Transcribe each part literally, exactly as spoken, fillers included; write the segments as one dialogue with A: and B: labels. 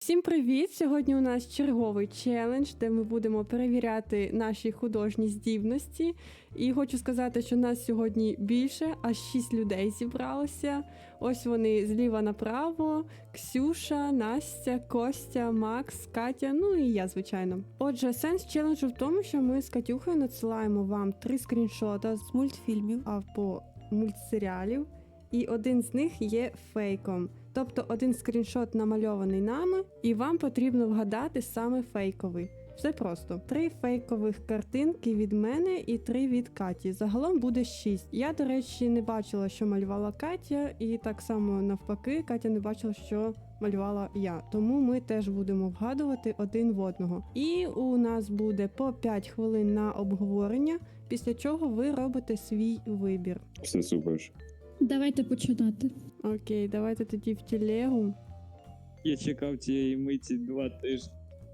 A: Всім привіт! Сьогодні у нас черговий челендж, де ми будемо перевіряти наші художні здібності. І хочу сказати, що нас сьогодні більше, аж шість людей зібралося. Ось вони зліва направо: Ксюша, Настя, Костя, Макс, Катя, ну і я, звичайно. Отже, сенс челенджу в тому, що ми з Катюхою надсилаємо вам три скріншота з мультфільмів або мультсеріалів, і один з них є фейком. Тобто один скріншот намальований нами, і вам потрібно вгадати саме фейковий. Все просто. Три фейкових картинки від мене і три від Каті. Загалом буде шість. Я, до речі, не бачила, що малювала Катя, і так само навпаки, Катя не бачила, що малювала я. Тому ми теж будемо вгадувати один в одного. І у нас буде по п'ять хвилин на обговорення, після чого ви робите свій вибір.
B: Все супер.
C: Давайте починати.
A: Окей, давайте тоді в телегу.
D: Я чекав цієї миті два тижні.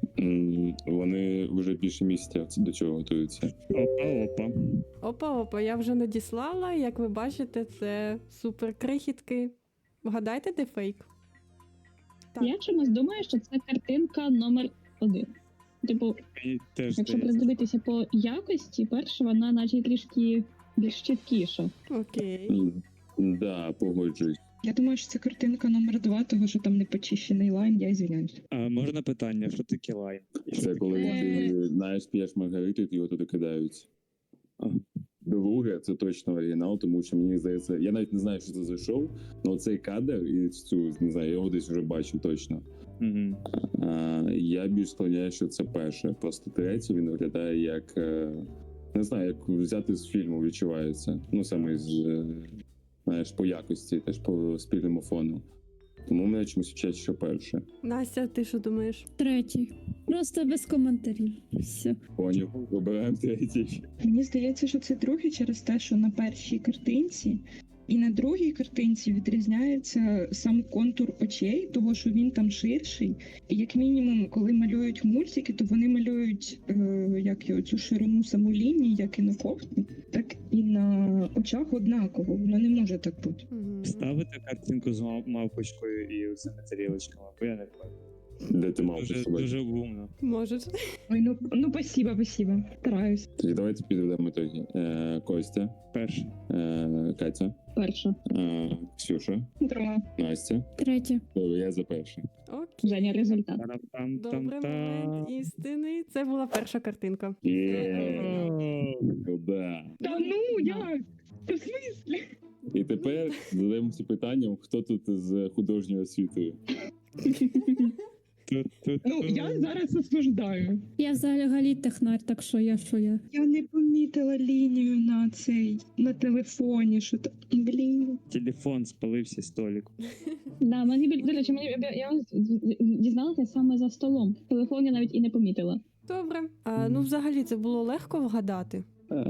B: М, Вони вже більше місяця до цього готуються.
D: Опа-опа.
A: Опа-опа, я вже надіслала, як ви бачите, це супер крихітки. Вгадайте, де фейк? Так.
C: Я чомусь думаю, що це картинка номер один. Типу,
D: Мені теж
C: якщо
D: здається.
C: придивитися по якості, перша вона наче трішки більш чіткіша.
A: Окей.
B: М, Да, погоджуюсь.
E: Я думаю, що це картинка номер два, того що там не почищений лайн, я звиняюсь.
D: А можна питання, що таке лайн?
B: Це коли
C: Е.
B: ти знаєш, п'єш маргариту, і його туди кидають.
D: А.
B: Друге, це точно оригінал, тому що мені здається, я навіть не знаю, що це за шоу, але цей кадр і цю, не знаю, я його десь вже бачив точно.
D: Угу.
B: А, я більш склоняю, що це перше. Просто третє він виглядає як, е, не знаю, як взяти з фільму відчувається. Ну, саме з, е, знаєш, по якості, теж по спільному фону. Тому мене чомусь вчать, що перше.
A: Настя, ти що думаєш?
C: Третій. Просто без коментарів. Все.
B: Поняв, вибираємо третій.
E: Мені здається, що це другий через те, що на першій картинці і на другій картинці відрізняється сам контур очей, того що він там ширший. І як мінімум, коли малюють мультики, то вони малюють е, як його, цю ширину саму лінії, як і на кофті, так і на очах однаково. Воно не може так бути.
A: Угу.
D: Ставити картинку з мав- мавпочкою і цими тарілочками, бо я не пам'ятаю.
B: Де ти мав
D: Дуже,
B: посувати?
D: дуже гумно.
A: Можеш.
E: Ой, ну, ну спасибо, спасибо. Стараюсь.
B: Тоді давайте підведемо ітоги. Е, Костя,
D: Перше.
B: е, Катя,
C: Перша.
B: е, Ксюша,
E: Друга.
B: Настя.
C: Третя.
B: Добре, я за перше.
A: Окей.
C: Женя, результат.
D: Тарам-там,
A: Добре, момент
D: там-там.
A: істини. Це була перша картинка.
B: Є, да.
E: Та ну як? Та в смислі?
B: І тепер задаємося питанням, хто тут з художньою освітою.
E: Ну, я зараз осуждаю.
C: Я взагалі технар, так що я, що я.
E: Я не помітила лінію на цей на телефоні, що там. Блін.
D: Телефон спалився столик.
C: Да, мені біль- до речі, мені я, я дізналася саме за столом. Телефон я навіть і не помітила.
A: Добре. А, ну, взагалі, це було легко вгадати.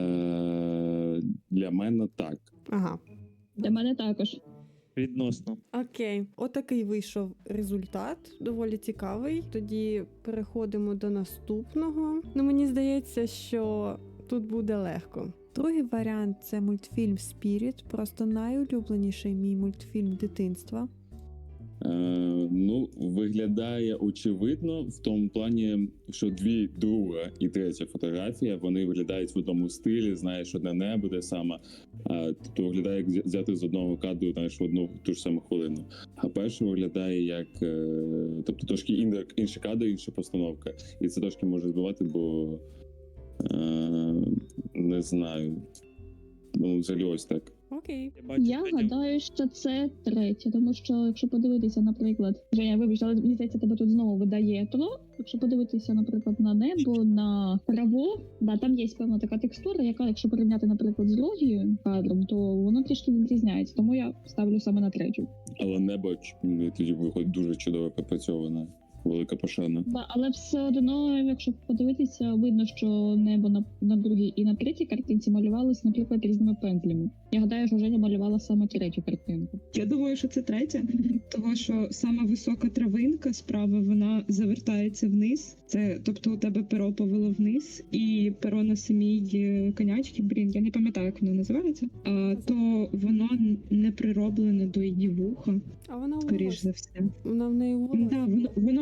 B: Е, Для мене так.
A: Ага.
C: Для мене також.
D: Відносно.
A: Окей. Отакий вийшов результат. Доволі цікавий. Тоді переходимо до наступного. Ну, мені здається, що тут буде легко. Другий варіант – це мультфільм «Спіріт», просто найулюбленіший мій мультфільм дитинства.
B: Е, ну, виглядає очевидно в тому плані, що дві друга і третя фотографія, вони виглядають в одному стилі, знаєш, одне небо, те саме. Е, тобто виглядає як взя- взяти з одного кадру, знаєш, в одну ту ж саму хвилину. А перше виглядає як, е, тобто трошки ін- інший кадр, інша постановка. І це трошки може збивати, бо е, не знаю. Ну, взагалі ось так.
A: Окей.
D: Я бачу,
C: Я
D: Женя,
C: гадаю, що це третє, тому що якщо подивитися, наприклад, Женя, вибач, але мені здається, тебе тут знову видає тро. Якщо подивитися, наприклад, на небо, на траву, да, там є певна така текстура, яка, якщо порівняти, наприклад, з Рогією кадром, то воно трішки відрізняється. Тому я ставлю саме на третю.
B: Але небо ч- тоді виходить дуже чудово пропрацьоване. Велика пошана.
C: Да, але все одно, якщо подивитися, видно, що небо на, на другій і на третій картинці малювалось, наприклад, різними пензлями. Я гадаю, що Женя малювала саме третю картинку.
E: Я думаю, що це третя, того що сама висока травинка справа вона завертається вниз. Це тобто у тебе перо повело вниз, і перо на самій е, конячці, блін, я не пам'ятаю, як воно називається. А то воно не прироблене до її вуха,
A: А вона у
E: скоріш
A: волосі.
E: за все.
A: Вона в неї у волосі.
E: Да, воно воно в-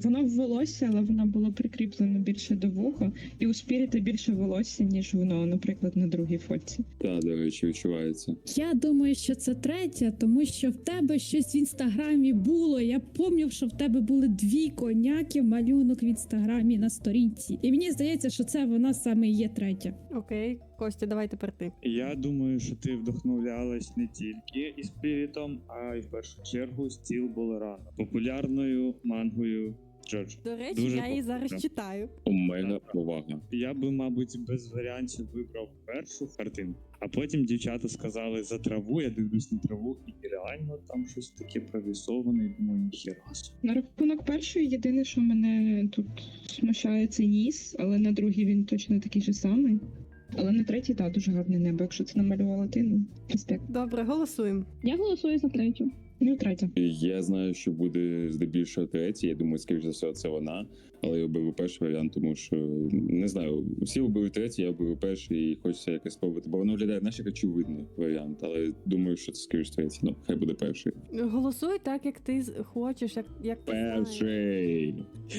E: Воно в волосся, але воно було прикріплено більше до вуха, і у Спіріта більше волосся, ніж воно, наприклад, на другій фотці.
B: Та, до речі, відчувається.
F: Я думаю, що це третя, тому що в тебе щось в інстаграмі було. Я пам'ятаю, що в тебе були дві коняки малюнок в інстаграмі на сторінці. І мені здається, що це вона саме і є третя.
A: Окей, Костя, давай тепер ти.
D: Я думаю, що ти вдохновлялась не тільки і спірітом, а й в першу чергу стіл Болерана, популярною мангою Джордж.
A: До речі,
D: Дуже
A: я її зараз
D: популярно.
A: читаю.
B: Омега повага.
D: Я би, мабуть, без варіантів вибрав першу картинку, а потім дівчата сказали за траву. Я дивлюсь на траву, і реально там щось таке прорисоване, і думаю, ніхера.
E: На рахунок першої, єдине, що мене тут смущає, це ніс, але на другій він точно такий же самий. Але на третій, так, дуже гарне небо. Якщо це намалювала ти, ну, респект.
A: Добре, голосуємо.
C: Я голосую за третю.
E: Ну, третя.
B: Я знаю, що буде здебільшого третій. Я думаю, скоріш за все, це вона. Але я оберу перший варіант, тому що не знаю, всі оберуть третій, я оберу перший і хочеться якось спробувати. Бо воно виглядає, знаєш, як очевидний варіант. Але думаю, що це скоріш третій. Ну, хай буде перший.
A: Голосуй так, як ти з- хочеш, як, як ти знаєш.
B: Перший.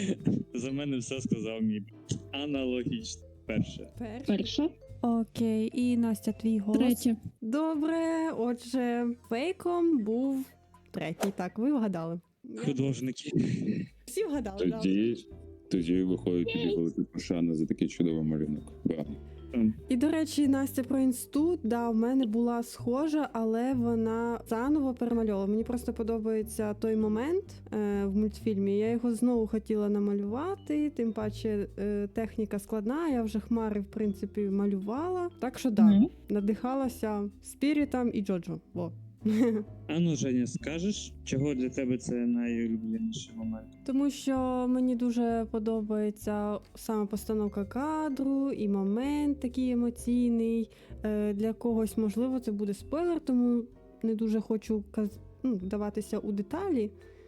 D: За мене все сказав мій аналогічно. Перше.
A: Перший.
C: Перша.
A: Окей, і Настя, твій голос.
F: Третя.
A: Добре, отже, фейком був третій. Так, ви вгадали. Я-
D: Художники.
A: Всі вгадали, так.
B: Тоді, тоді виходить тобі велика пошана за такий чудовий малюнок. Браво.
A: І, до речі, Настя про інститут, да, в мене була схожа, але вона заново перемальовувала. Мені просто подобається той момент е, в мультфільмі. Я його знову хотіла намалювати, тим паче е, техніка складна, я вже хмари, в принципі, малювала. Так що, да,
C: Мгм.
A: надихалася Спірітом і Джоджо. Во.
D: А ну, Женя, скажеш, чого для тебе це найулюбленіший момент?
A: Тому що мені дуже подобається саме постановка кадру і момент такий емоційний. Е, Для когось, можливо, це буде спойлер, тому не дуже хочу каз... ну, вдаватися у деталі.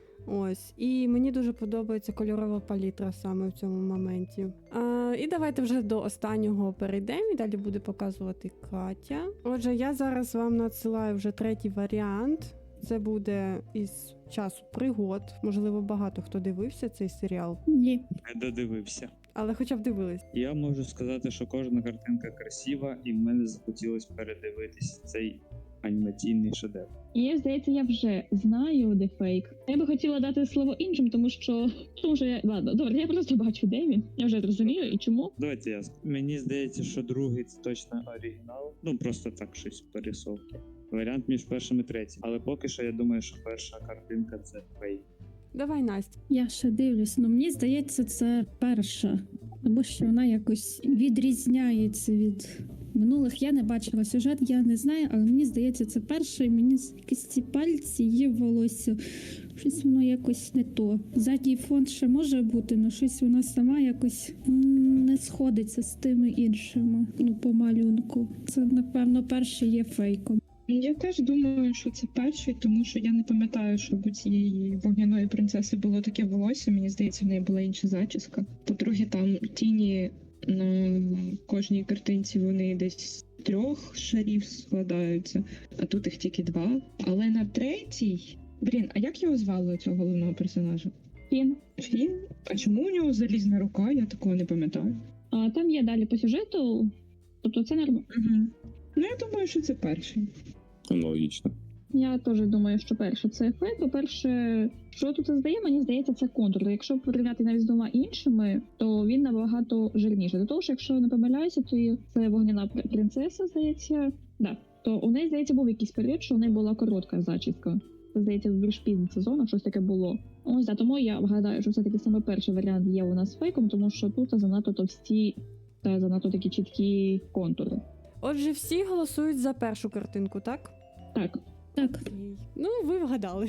A: Ось. І мені дуже подобається кольорова палітра саме в цьому моменті. А, і давайте вже до останнього перейдемо, і далі буде показувати Катя. Отже, я зараз вам надсилаю вже третій варіант. Це буде із часу пригод. Можливо, багато хто дивився цей серіал,
F: Ні.
D: Не додивився.
A: але хоча б дивились.
D: Я можу сказати, що кожна картинка красива, і в мене захотілось передивитись цей анімаційний шедевр.
C: І здається, я вже знаю, де фейк. Я би хотіла дати слово іншим, тому що тому що я ладно, добре, я просто бачу, де він. Я вже зрозумію і чому.
D: Давайте я. Мені здається, що другий це точно оригінал. Ну просто так щось пересовки. Варіант між першим і третім. Але поки що я думаю, що перша картинка це фейк.
A: Давай, Настя.
F: Я ще дивлюсь, ну мені здається, це перша, тому що вона якось відрізняється від минулих. Я не бачила сюжет, я не знаю, але мені здається, це перша, і мені з- якісь ці пальці є в волосся. Щось воно якось не то. Задній фон ще може бути, але щось вона сама якось м, не сходиться з тими іншими. Ну, по малюнку. Це, напевно, перший є фейком.
E: Я теж думаю, що це перший, тому що я не пам'ятаю, щоб у цієї вогняної принцеси було таке волосся. Мені здається, в неї була інша зачіска. По-друге, там тіні на кожній картинці вони десь з трьох шарів складаються, а тут їх тільки два. Але на третій. Блін, а як його звали цього головного персонажа?
C: Фін.
E: Фін? А чому у нього залізна рука? Я такого не пам'ятаю.
C: А там є далі по сюжету. Тобто це нормально.
E: Угу. Ну, я думаю, що це перший.
B: Аналогічно.
C: Я теж думаю, що перше це фейк. По-перше, що тут це здає, мені здається, це контур. Якщо порівняти навіть з двома іншими, то він набагато жирніший. До того ж, якщо не помиляюся, то це вогняна пр- принцеса, здається. Да. То у неї, здається, був якийсь період, що у неї була коротка зачіска. Це, здається, в більш пізніх сезонах щось таке було. Ось, да, тому я вгадаю, що все-таки саме перший варіант є у нас фейком, тому що тут занадто товсті та занадто такі чіткі контури.
A: Отже, всі голосують за першу картинку, так?
C: Так.
F: Так,
A: Окей. Ну, ви вгадали.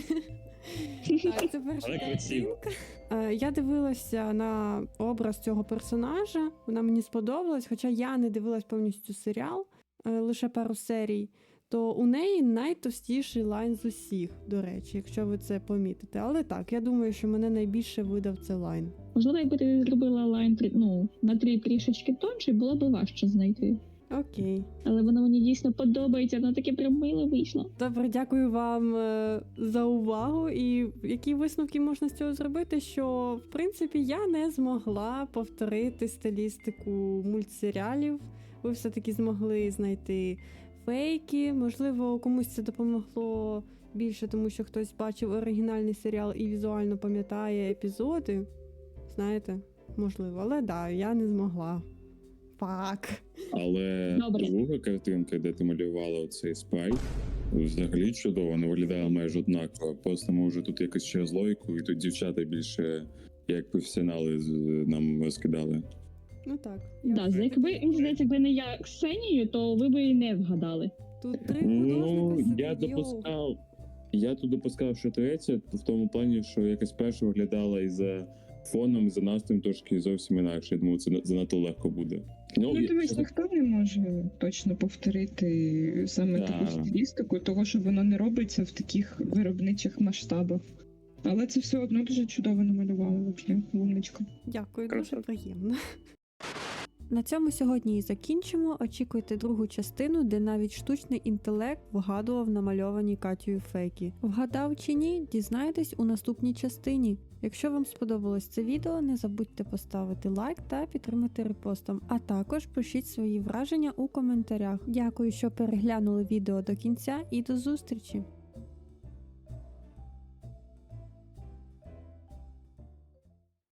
A: Так, це перша
D: Але красиво.
A: картинка. Е, Я дивилася на образ цього персонажа, вона мені сподобалась, хоча я не дивилась повністю серіал, е, лише пару серій. То у неї найтовстіший лайн з усіх, до речі, якщо ви це помітите. Але так, я думаю, що мене найбільше видав це лайн.
C: Можливо, якби ти зробила лайн трі- ну, на три трішечки тонший, було б важче знайти.
A: Окей.
C: Але воно мені дійсно подобається, воно таке прям мило вийшло.
A: Добре, дякую вам е, за увагу. І які висновки можна з цього зробити? Що в принципі я не змогла повторити стилістику мультсеріалів. Ви все-таки змогли знайти фейки. Можливо, комусь це допомогло більше, тому що хтось бачив оригінальний серіал і візуально пам'ятає епізоди. Знаєте, можливо, але да, я не змогла. Фак.
B: Але
C: Добре.
B: друга картинка, де ти малювала оцей спайк, взагалі чудово, не виглядає майже однаково. Просто ми вже тут якось через логіку, і тут дівчата більше як професіонали з- нам розкидали.
A: Ну так. я
C: Да,
A: вже
C: якби,
A: таки-
C: мені здається, якби не я Ксенію, то ви б і не вгадали.
A: Тут три
B: Ну,
A: художника
B: я
A: сидить, йоу.
B: допускав. Я тут допускав, що третя, в тому плані, що якось перша виглядала і за фоном, і за настроєм трошки зовсім інакше. Я думаю, це на- занадто легко буде.
E: Ну,
B: я-
E: дивись, ніхто не може точно повторити саме
B: Да.
E: таку стилістику, того що воно не робиться в таких виробничих масштабах. Але це все одно дуже чудово намалювало, взагалі, умничка.
A: Дякую,
D: Круто.
A: дуже приємно. На цьому сьогодні і закінчимо. Очікуйте другу частину, де навіть штучний інтелект вгадував намальовані Катєю фейки. Вгадав чи ні, дізнаєтесь у наступній частині. Якщо вам сподобалось це відео, не забудьте поставити лайк та підтримати репостом, а також пишіть свої враження у коментарях. Дякую, що переглянули відео до кінця, і до зустрічі!